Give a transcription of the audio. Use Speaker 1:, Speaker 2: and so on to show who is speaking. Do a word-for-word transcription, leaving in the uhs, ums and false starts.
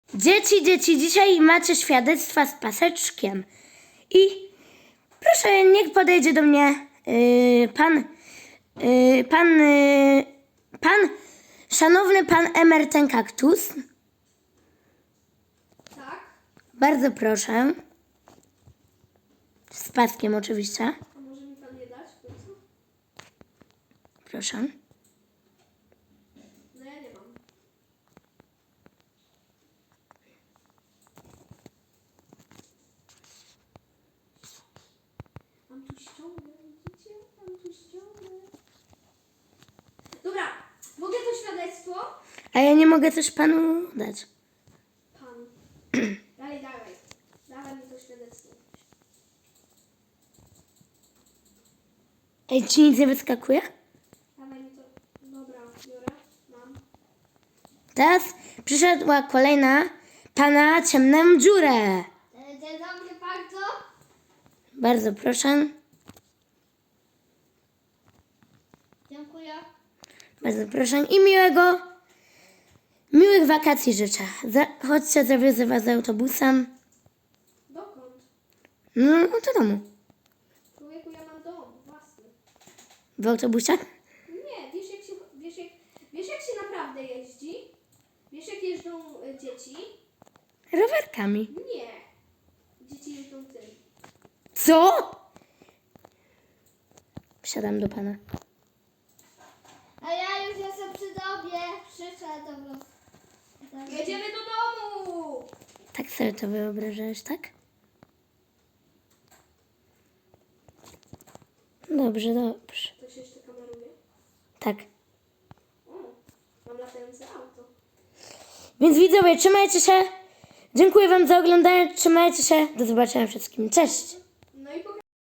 Speaker 1: Dzieci, dzieci, dzisiaj macie świadectwa z paseczkiem. I proszę, niech podejdzie do mnie yy, pan, yy, pan, yy, pan, szanowny pan Emer ten kaktus.
Speaker 2: Tak?
Speaker 1: Bardzo proszę. Z paskiem oczywiście.
Speaker 2: A może mi pan je dać w końcu?
Speaker 1: Proszę.
Speaker 2: No ja nie mam. Mam tu ściągę, widzicie? Mam tu ściągę. Dobra, mogę to świadectwo?
Speaker 1: A ja nie mogę też panu dać.
Speaker 2: Pan. Dalej, dawaj. Dawaj mi to świadectwo.
Speaker 1: Ej, ci nic nie wyskakuje?
Speaker 2: Dawaj mi to. Dobra, biorę. Mam.
Speaker 1: Teraz przyszedła kolejna pana ciemną dziurę.
Speaker 2: Dzień dobry bardzo.
Speaker 1: Bardzo proszę.
Speaker 2: Dziękuję.
Speaker 1: Bardzo proszę i miłego, miłych wakacji życzę. Za, chodźcie, zawiozę was autobusem.
Speaker 2: Dokąd?
Speaker 1: No, do domu.
Speaker 2: Człowieku, ja mam dom własny.
Speaker 1: W autobusie?
Speaker 2: Nie, wiesz jak się, wiesz jak, wiesz jak się naprawdę jeździ? Wiesz jak jeżdżą y, dzieci?
Speaker 1: Rowerkami.
Speaker 2: Nie. Dzieci jeżdżą tym.
Speaker 1: Co? Wsiadam do pana.
Speaker 3: A ja już jestem przy tobie. Przyszedł.
Speaker 2: Jedziemy do domu!
Speaker 1: Tak sobie to wyobrażasz, tak? Dobrze, dobrze.
Speaker 2: To się jeszcze kameruje?
Speaker 1: Tak.
Speaker 2: O, mam latające auto.
Speaker 1: Więc widzowie, trzymajcie się. Dziękuję wam za oglądanie. Trzymajcie się. Do zobaczenia wszystkim. Cześć.